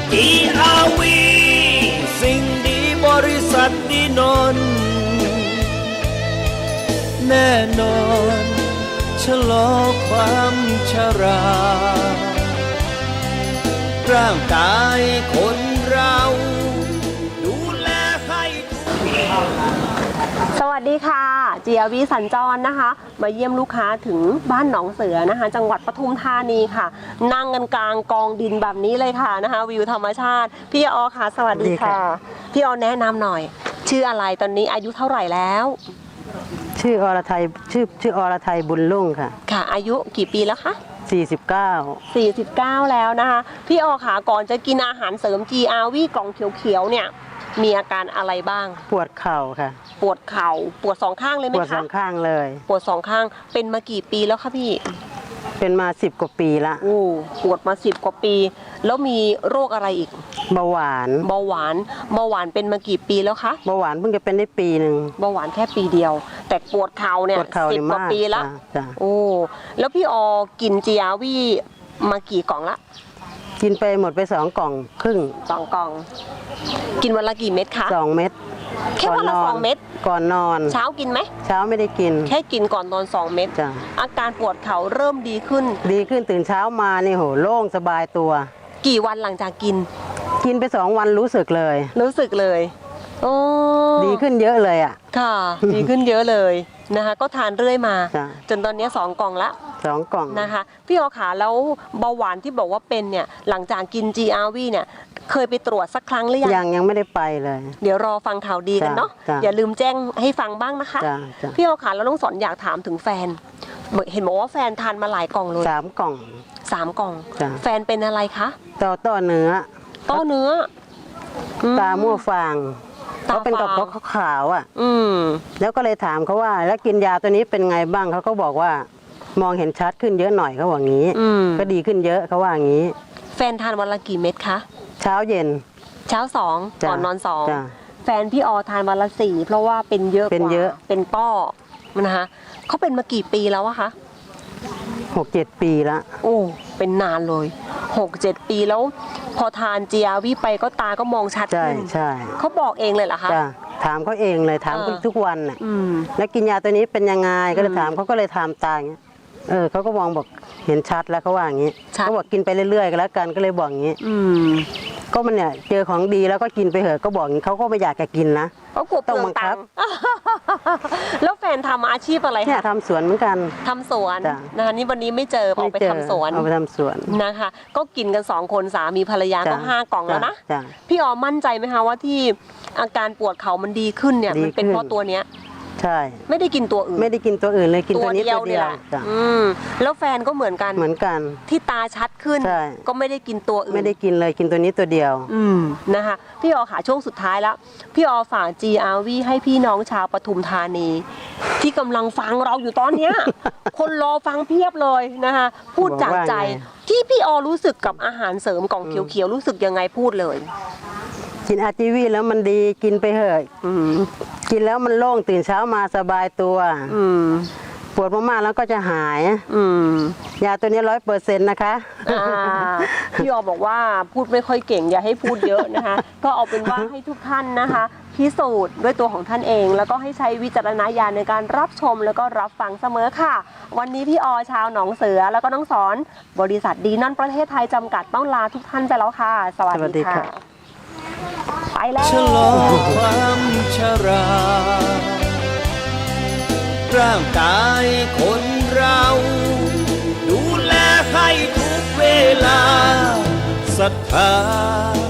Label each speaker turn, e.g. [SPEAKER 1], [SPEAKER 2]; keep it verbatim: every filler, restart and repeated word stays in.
[SPEAKER 1] จี อาร์ วี สิ่งดีบริษัทดีนนท์แน่นอนชะลอความชราร่างกายคนเราดูแลให้ทุก
[SPEAKER 2] สวัสดีค่ะ จี อาร์ วี สัญจรนะคะมาเยี่ยมลูกค้าถึงบ้านหนองเสือนะคะจังหวัดปทุมธานีค่ะนั่งกันกลางกองดินแบบนี้เลยค่ะนะคะวิวธรรมชาติพี่ออค่ะสวัสดีค่ะพี่ออแนะนำหน่อยชื่ออะไรตอนนี้อายุเท่าไหร่แล้ว
[SPEAKER 3] ชื่ออรไทยชื่อชื่ออรไทยบุญรุ่งค่ะ
[SPEAKER 2] ค่ะอายุกี่ปีแล้วคะ
[SPEAKER 3] สี่สิบเก้า
[SPEAKER 2] สี่สิบเก้าแล้วนะคะพี่ออค่ะก่อนจะกินอาหารเสริม จี อาร์ วี กล่องเขียวๆเนี่ยมีอาการอะไรบ้าง
[SPEAKER 3] ปวดเข่าค่ะ
[SPEAKER 2] ปวดเข่าปวดสองข้างเลยไหมคะ
[SPEAKER 3] ปวดสองข้างเลย
[SPEAKER 2] ปวดสองข้างเป็นมากี่ปีแล้วคะพี่
[SPEAKER 3] เป็นมาสิบกว่าปีละ
[SPEAKER 2] โอ้ปวดมาสิบกว่าปีแล้วมีโรคอะไรอีก
[SPEAKER 3] เบาหวาน
[SPEAKER 2] เบาหวานเบาหวานเป็นมากี่ปีแล้วคะ
[SPEAKER 3] เบาหวานเพิ่งจะเป็นได้ปีหนึ่ง
[SPEAKER 2] เบาหวานแค่ปีเดียวแต่ปวดเข่าเนี่ยสิบกว่าปีละโอ้แล้วพี่ออกิน จี อาร์ วี มากี่กล่องละ
[SPEAKER 3] กินไปหมดไปสองกล่องครึ่ง
[SPEAKER 2] สองกล่องกินวันละกี่เม็ดคะ
[SPEAKER 3] สองเม็ด
[SPEAKER 2] แค่วันละสองเม็ด
[SPEAKER 3] ก่อนนอน
[SPEAKER 2] เช้ากินไหม
[SPEAKER 3] เช้าไม่ได้กิน
[SPEAKER 2] แค่กินก่อนนอนสองเม็ดอาการปวดเข่าเริ่มดีขึ้น
[SPEAKER 3] ดีขึ้นตื่นเช้ามานี่โหโล่งสบายตัว
[SPEAKER 2] กี่วันหลังจากกิน
[SPEAKER 3] กินไปสองวันรู้สึกเลย
[SPEAKER 2] รู้สึกเลยโอ้
[SPEAKER 3] ดีขึ้นเยอะเลยอ่ะ
[SPEAKER 2] ค่ะดีขึ้นเยอะเลยนะคะก็ทานเรื่อยมาจนตอนนี้สองกล่องละ
[SPEAKER 3] สองกล่อง
[SPEAKER 2] นะคะพี่ออขาแล้วเบาหวานที่บอกว่าเป็นเนี่ยหลังจากกิน จี อาร์ วี เนี่ยเคยไปตรวจสักครั้งหรือยัง
[SPEAKER 3] ยังยังไม่ได้ไปเลย
[SPEAKER 2] เดี๋ยวรอฟังข่าวดีกันเนาะอย่าลืมแจ้งให้ฟังบ้างนะคะพี่ออขาแล้วน้องสอนอยากถามถึงแฟนเห็นบอกว่าแฟนทานมาหลายกล่องเลย
[SPEAKER 3] สามกล่อง
[SPEAKER 2] สามกล่องแฟนเป็นอะไรคะ
[SPEAKER 3] ต่อต่อเนื้อ
[SPEAKER 2] ต่อเนื้อ
[SPEAKER 3] ตามั่วฟางเขาเป็นกับเขาขาวอ่ะ
[SPEAKER 2] อืม
[SPEAKER 3] แล้วก็เลยถามเขาว่าแล้วกินยาตัวนี้เป็นไงบ้างเขาก็บอกว่ามองเห็นชัดขึ้นเยอะหน่อยเขาบอกงี้ก็ดีขึ้นเยอะเขาว่างี้
[SPEAKER 2] แฟนทานวันละกี่เม็ดคะ
[SPEAKER 3] เช้าเย็น
[SPEAKER 2] เช้าสองก่อนนอนสองแฟนพี่ออทานวันละสี่เพราะว่าเป็นเยอะ
[SPEAKER 3] เป็นเยอะ
[SPEAKER 2] เป็นป้อนะคะเขาเป็นมากี่ปีแล้วอะคะ
[SPEAKER 3] หกเจ็ดปีละ
[SPEAKER 2] โอ้เป็นนานเลยหกเจ็ดปีแล้วพอทาน จี อาร์ วี ไปก็ตาก็มองชัดขึ้น
[SPEAKER 3] ใช่
[SPEAKER 2] เขาบอกเองเลยเหรอคะ
[SPEAKER 3] ถามเขาเองเลยถามทุกวันน่ะแล้วกินยาตัวนี้เป็นยังไงก็เลยถามเขาก็เลยถามตาอย่างเงี้ยเออเขาก็มองบอกเห็นชัดแล้วเขาว่าอย่างนี้เขาบอกกินไปเรื่อยๆก็แล้วกันก็เลยบอกอย่างนี้ก็มันเนี่ยเจอของดีแล้วก็กินไปเถอะก็บอกอย่างนี้เขาก็ไม่อยากจะกินนะ
[SPEAKER 2] ต้องบังคับแล้วแฟนทำอาชีพอะไร
[SPEAKER 3] เนี่ยทำสวนเหมือนกัน
[SPEAKER 2] ทำสวนนะคะนี่วันนี้ไม่เจอออกไปทำสวน
[SPEAKER 3] เอาไปทำสวน
[SPEAKER 2] นะคะก็กินกันสองคนสามีภรรยาก็ห้ากล่องแล้วนะพี่ออมั่นใจไหมคะว่าที่อาการปวดเข่ามันดีขึ้นเนี่ยมันเป็นเพราะตัวเนี้ย
[SPEAKER 3] ใช่
[SPEAKER 2] ไม่ได้กินตัวอื่น
[SPEAKER 3] ไม่ได้กินตัวอื่นเลยกินตัวนี้ตัวเดียว
[SPEAKER 2] อืมแล้วแฟนก็เหมือนกัน
[SPEAKER 3] เหมือนกัน
[SPEAKER 2] ที่ตาชัดขึ้นก็ไม่ได้กินตัวอื่น
[SPEAKER 3] ไม่ได้กินเลยกินตัวนี้ตัวเดียว
[SPEAKER 2] อืมนะคะพี่ออค่ะช่วงสุดท้ายแล้วพี่ออฝาก จี อาร์ วี ให้พี่น้องชาวปทุมธานีที่กำลังฟังเราอยู่ตอนเนี้ยคนรอฟังเพียบเลยนะคะพูดจากใจที่พี่ออรู้สึกกับอาหารเสริมกล่องเขียวๆรู้สึกยังไงพูดเลย
[SPEAKER 3] กิน อาร์ จี วี แล้วมันดีกินไปเถอะกินแล้วมันโล่งตื่นเช้ามาสบายตัวปวดมากๆแล้วก็จะหายยาตัวนี้ร้อยเปอร์เซ็นต์นะคะ
[SPEAKER 2] พี่ออบอกว่าพูดไม่ค่อยเก่งอย่าให้พูดเยอะนะคะก็เอาเป็นว่าให้ทุกท่านนะคะพิสูจน์ด้วยตัวของท่านเองแล้วก็ให้ใช้วิจารณญาณในการรับชมแล้วก็รับฟังเสมอค่ะวันนี้พี่ออชาวหนองเสือแล้วก็น้องสอนบริษัทดีนั่นประเทศไทยจำกัดต้องลาทุกท่านไปแล้วค่ะสวัสดีค่ะไปแล้ว
[SPEAKER 1] ชะลอความชราร่างกายคนเราดูแลให้ทุกเวลาศรัทธา